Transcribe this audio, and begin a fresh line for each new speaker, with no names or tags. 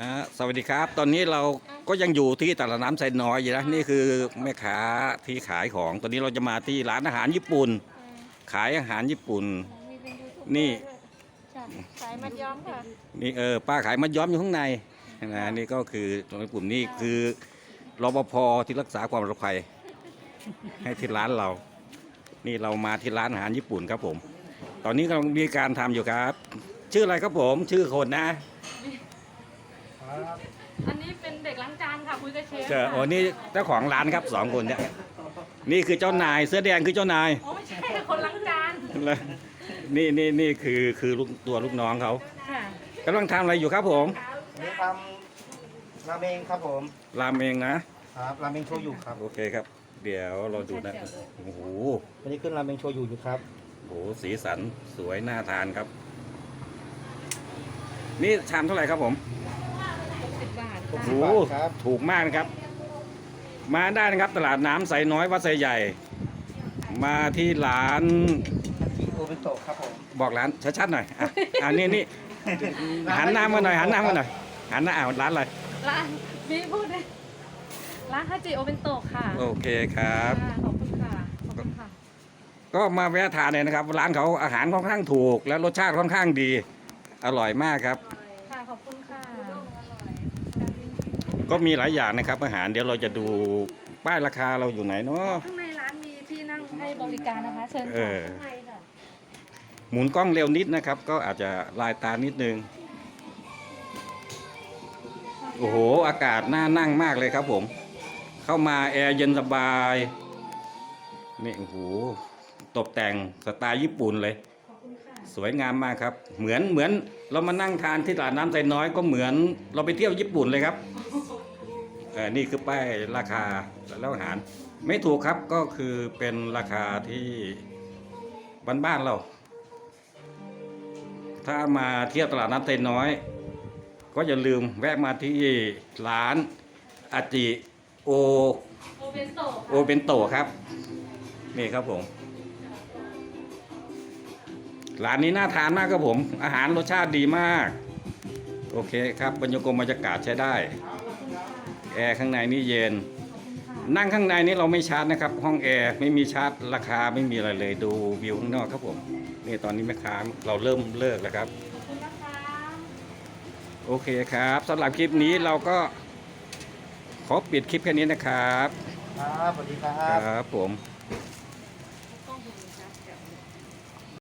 สวัสดีครับตอนนี้เราก็ยังอยู่ที่ตลาดน้ำไซน้อยอยู่นะนี่คือแม่ค้าที่ขายของตอนนี้เราจะมาที่ร้านอาหารญี่ปุ่นขายอาหารญี่ปุ่น
มีเป็นยูทูบเบอ
นี่
ร์ด้วยจ้ะขายมัดย้อมค่ะ
นี่ป้าขายมัดย้อมอยู่ข้างในนะนี่ก็คือตรงญี่ปุ่นนี่คือรปภที่รักษาความปลอดภัยให้ที่ร้านเรานี่เรามาที่ร้านอาหารญี่ปุ่นครับผมตอนนี้กำลังมีการทำอยู่ครับ ชื่ออะไรครับผมชื่อคนนะ
อันนี้เป็นเด็กล้างจานค่ะคุยกับเชฟ
โอ้นี่เจ้าของร้านครับ2 คนเนี่ยนี่คือเจ้านายเสื้อแดงคือเจ้านาย
โอ้ไม่ใช่คนล้างจาน
นี่คือลูกน้องเขา
ค่ะ
กำลังทำอะไรอยู่ครับผม
นี่ทำราเมงครับผม
รามเองนะครับ
ราเมงโชยุครับ
โอเคครับเดี๋ยวเราดูนะโอ้โห
วันนี้ขึ้นราเมงโชยุอยู่ครับ
โอ้โหสีสันสวยน่าทานครับนี่ชามเท่าไหร่ครับผม
60 บาท
โอ้โห
ครับ
ถูกมากนะครับมาได้นะครับตลาดน้ำไซน้อยวัดไซใหญ่ มาที่ร้าน
โอเบโตะครับผม
บอกร้านชัดๆหน่อยนี่หันหน้ามาหน่อยหันหน้ามาหน่อยหันหน้าร้านอะไร
ร้านมีพูดเลยร้านฮาจิโอเบนโตะค่ะ
โอเคครับ
ขอบคุณค่ะขอบคุณค่ะ
ก็มาแวะทานเลยนะครับร้านเขาอาหารค่อนข้างถูกและรสชาติค่อนข้างดีอร่อยมากครับ
ค่ะขอบคุณค่ะ
ก็มีหลายอย่างนะครับอาหารเดี๋ยวเราจะดูป้ายราคาเราอยู่ไหนเนาะ
ข้างในร้านมีที่นั่งให้บริการนะคะเชิญค่ะข้างในค่ะ
หมุนกล้องเร็วนิดนะครับก็อาจจะลายตานิดนึงโอ้โหอากาศน่านั่งมากเลยครับผมเข้ามาแอร์เย็นสบายนี่โอ้โหตกแต่งสไตล์ญี่ปุ่นเลยสวยงามมากครับเหมือนเรามานั่งทานที่ตลาดน้ำไซน้อยก็เหมือนเราไปเที่ยวญี่ปุ่นเลยครับนี่คือป้ายราคาแล้วอาหารไม่ถูกครับก็คือเป็นราคาที่บ้านๆเราถ้ามาเที่ยวตลาดน้ำไซน้อยก็อย่าลืมแวะมาที่ร้านอาจิโอเบนโตะครับนี่ครับผมร้านนี้น่าทานมากครับผมอาหารรสชาติดีมากโอเคครับบรรยากาศใช้ได้แอร์ข้างในนี่เย็นนั่งข้างในนี้เราไม่ชาร์จนะครับห้องแอร์ไม่มีชาร์จราคาไม่มีอะไรเลยดูวิวข้างนอกครับผมนี่ตอนนี้แม่ค้าเราเริ่มเลิกแล้วครับโอเคครับสำหรับคลิปนี้เราก็ขอปิดคลิปแค่นี้นะครับ
ครับสวัสดีครั
ครับผม